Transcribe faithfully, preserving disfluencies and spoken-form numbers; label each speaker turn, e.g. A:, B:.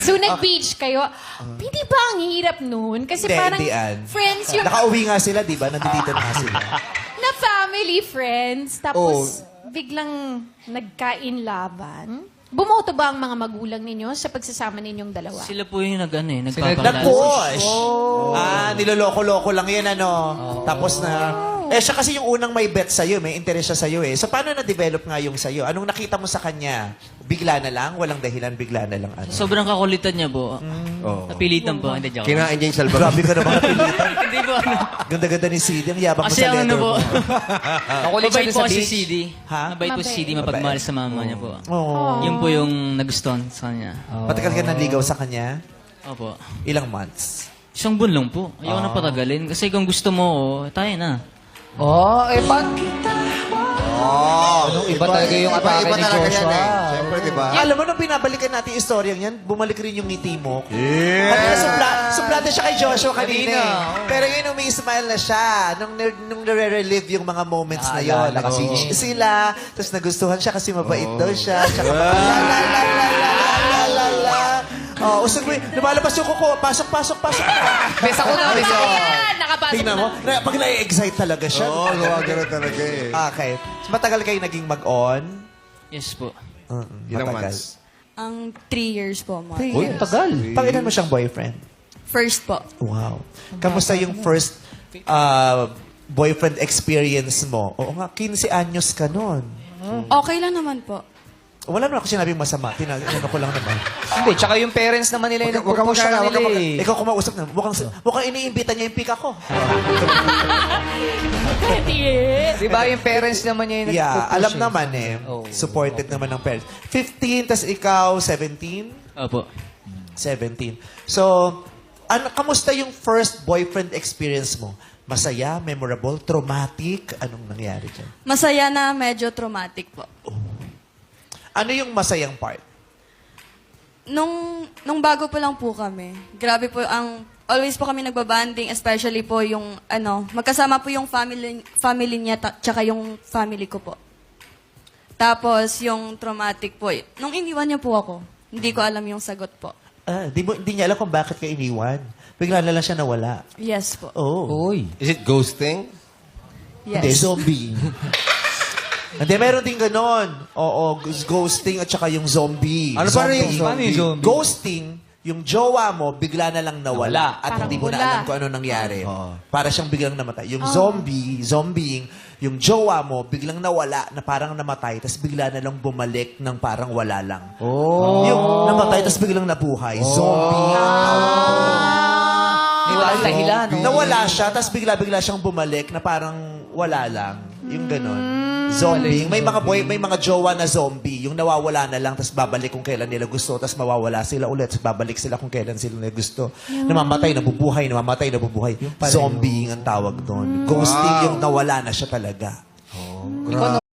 A: So, nag-beach kayo. Hindi ba ang hirap nun? Kasi
B: Hindi,
A: parang
B: hindi, Ann.
A: friends yung...
B: Nakauwi nga sila, di ba? Nandito na nga sila.
A: na family friends. Tapos, biglang nagkain-laban. Bumoto ba ang mga magulang ninyo sa pagsasama ninyong dalawa?
C: Sila po yung nag, ano, eh,
B: Nag-push.
C: nagpapalas.
B: Ah, niloloko-loko lang yan, ano. Tapos na... Eh, siya kasi yung unang may bet sa'yo, may interest siya sa'yo eh. So, paano na-develop nga yung sa'yo? Anong nakita mo sa kanya? Bigla na lang? Walang dahilan, bigla na lang ano?
C: Sobrang kakulitan niya po.
D: Oo.
C: Napilitan po. Hindi, joke.
D: Kinain niya yung salbag.
B: Grabe ka naman napilitan.
C: Hindi po. ano.
B: Ganda-ganda ni C D. Ang yabang mo
C: Kasi
B: sa
C: ang ano
B: letter
C: po.
B: mo.
C: Mabait po si
D: beach.
C: C D.
B: Ha?
C: Mabait po si C D. Mapagmahal sa mama niya po.
B: Oo.
C: Yun po yung nagustuhan sa kanya.
B: Matagal ka nanligaw sa kanya?
C: Opo.
B: Ilang months?
C: Isang buwan lang po. Ayoko na patagalin. Kasi kung gusto mo, oh, tayo na.
E: Oh, eh, pa...
D: Oh,
E: Ano, iba talaga yung atake
D: iba
E: ni
D: talaga
E: Joshua.
D: yan eh. Siyempre, di ba?
B: Alam mo, nung binabalikan natin yung istorya yan, bumalik rin yung ngiti mo.
D: Yeah!
B: Kanina, supla, suplado siya kay Joshua kanina.
E: Kanina,
B: eh.
E: oo.
B: Pero ngayon, umi-smile na siya. Nung, nung nare-relive yung mga moments na yun.
E: Naalala kasi.
B: Naka-beach sila. Tapos nagustuhan siya kasi mabait daw siya. Tsaka pa, la la la la la la la la. Oh, usog mo, lumalabas yung kuko. Pasok, pasok, pasok.
E: Besa ko na, besa ko.
A: Ayan! Nakapasok
B: Tingnan
A: na.
B: mo, na, pag na-excite talaga siya.
D: Oo, gawa gano'n talaga eh.
B: Okay. So, matagal kayo naging mag-on?
C: Yes po.
B: Uh,
D: Ilang
B: matagal.
D: months?
F: Ang three years po, Mark.
B: Three
E: Uy,
B: years.
E: tagal.
B: Pangilan mo siyang boyfriend?
F: First po.
B: Wow. Kamusta yung first uh, boyfriend experience mo? Oo nga, quince anyos ka nun.
F: Okay lang naman po.
B: Wala naman ako sinabing masama. Tinagano ko lang naman.
E: Hindi, tsaka yung parents naman nila yung
D: Wag ka- wag ka
E: nagpupush sa
D: magkala, wag ka
E: kanila
D: mag-
E: eh.
B: Ikaw kumausap na. Mukhang, mukhang iniimbita niya yung pika ko.
E: Di ba yung parents naman niya yung
B: Yeah,
E: nagpupush
B: alam
E: eh.
B: naman eh.
E: Oh.
B: Supported naman ng parents. fifteen, tas ikaw, seventeen?
C: Opo.
B: seventeen. So, ano, kamusta yung first boyfriend experience mo? Masaya, memorable, traumatic? Anong nangyari dyan?
F: Masaya na medyo traumatic po.
B: Ano yung masayang part?
F: Nung, nung bago pa lang po kami, grabe po ang... Always po kami nagbabanding, especially po yung, ano, magkasama po yung family, family niya, ta- tsaka yung family ko po. Tapos, yung traumatic po, eh, nung iniwan niya po ako, hindi ko alam yung sagot po.
B: Ah, di, mo, di niya alam kung bakit ka iniwan. Bigla na lang siya nawala.
F: Yes po.
B: Oh.
E: Uy.
D: Is it ghosting?
B: Hindi,
F: Yes.
B: zombie. Hindi, meron din ganon. Oo, g- ghosting at saka yung zombie.
D: Ano pa rin yung
E: Paano yung zombie?
B: Ghosting, yung jowa mo, bigla na lang nawala.
E: Nawala.
B: At
A: Parang
B: hindi mo na
A: wala.
B: alam kung ano nangyari. Para siyang biglang namatay. Yung zombie, zombieing, yung jowa mo, biglang nawala na parang namatay, tapos bigla na lang bumalik ng parang wala lang.
E: Oh.
B: Yung namatay, tapos biglang nabuhay. Zombie.
E: Hindi walang dahilan, no?
B: Nawala siya, tapos bigla-bigla siyang bumalik na parang wala lang. Yung ganon. Zombie. May mga boy, may mga jowa na zombie. Yung nawawala na lang, tapos babalik kung kailan nila gusto, tapos mawawala sila ulit, tapos babalik sila kung kailan sila nila gusto. Namamatay, nabubuhay, namamatay, nabubuhay. Zombie ang tawag doon. Ghosting yung nawala na siya talaga.
E: Ikaw